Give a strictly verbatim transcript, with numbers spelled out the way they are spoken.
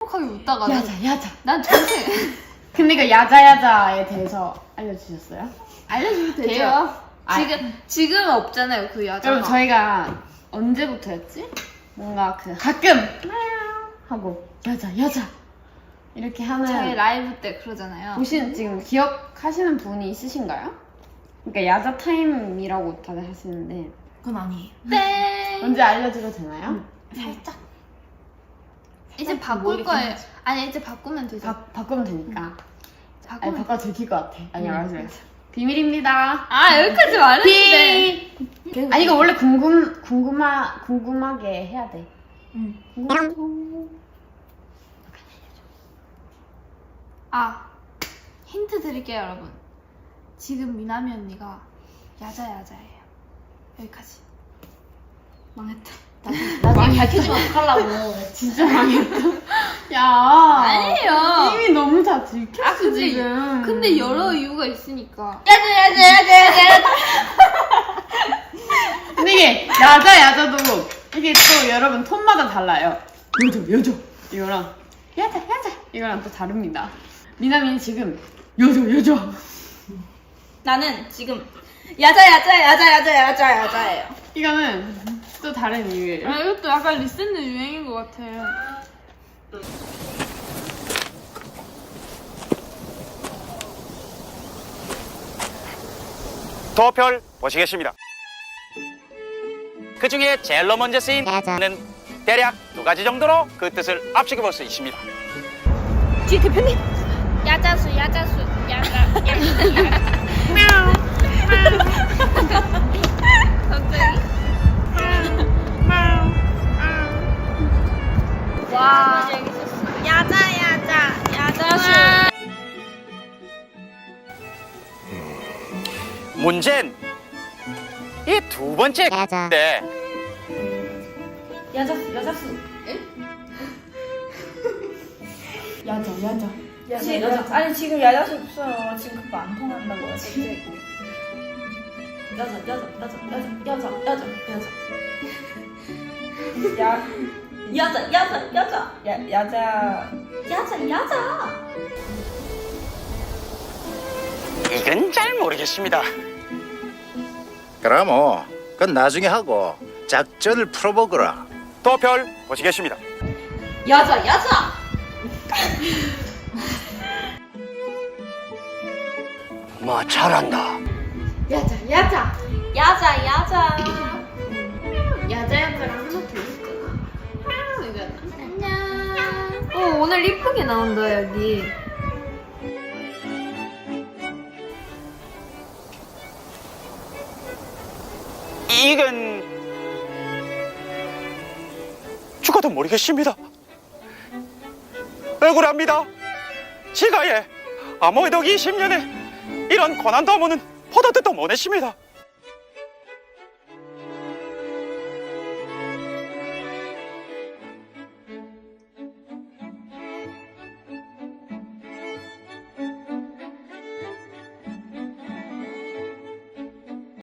시무룩하게 웃다가 야자 야자. 난 전체 근데 그 야자 야자에 대해서 알려주셨어요? 알려주면 되죠. 돼요. 지금 지금은 없잖아요 그 야자가. 여러분 저희가 언제부터였지? 뭔가 그 가끔 하고 야자 야자 이렇게 하는 저희 라이브 때 그러잖아요. 보신 지금 기억하시는 분이 있으신가요? 그러니까 야자 타임이라고 다들 하시는데 그건 아니에요. 땡. 언제 알려드려도 되나요? 살짝. 이제 바꿀 거예요. 아니 이제 바꾸면 되죠. 바, 바꾸면 되니까. 아니 바꾸면. 바꿔도 들킬 것 같아. 아니 알았어 알았어. 비밀입니다. 아 여기까지 말했는데. 비. 아니 이거 원래 궁금 궁금하 궁금하게 해야 돼. 응. 아 힌트 드릴게요 여러분. 지금 미나미 언니가 야자 야자예요. 여기까지. 망했다. 나중에 밝혀지면 어떡하려고. 진짜 망했다. 야. 아니에요. 이미 너무 다 들켰어 아, 근데, 지금. 근데 여러 이유가 있으니까. 야자 야자 야자 야자. 근데 이게 야자 야자도 이게 또 여러분 톤마다 달라요. 요조 요조 이거랑 야자 야자 이거랑 또 다릅니다. 미나미는 지금 요조 요조. 나는 지금 야자 야자 야자 야자 야자 야자예요. 이거는 또 다른 이유예요. 아 이것도 약간 리센드 유행인 것 같아요. 도표를 보시겠습니다. 그 중에 제일 먼저 쓰인 는 대략 두 가지 정도로 그 뜻을 압축해 볼 수 있습니다. 뒤에 대표님. 야자수 야자수 야자 야자. 갑자기. 와. 야자 야자 야자수. 문제는 이 두 번째 때 야자수 야자수. 야자 야자. 지금 야자. 아니 지금 야자수 없어요. 지금 그거 안 통한다고요. 야자 야자 야자 야자 야자 야자 야자. 야 야자 야자 야자 야 야자 야자 야자. 이건 잘 모르겠습니다. 그럼 뭐 그건 나중에 하고 작전을 풀어보거라. 도표를 보시겠습니다. 야자 야자. 뭐 잘한다. 야자 야자. 야자 야자. 야자 야자랑 하나 더 있잖아. 아, 이거였나? 안녕. 어 오늘 이쁘게 나온다 여기. 이건 죽어도 모르겠습니다. 억울합니다. 지가 예 아무래도 이십 년에 이런 고난도 하면은 포도 뜻도 못 냈습니다.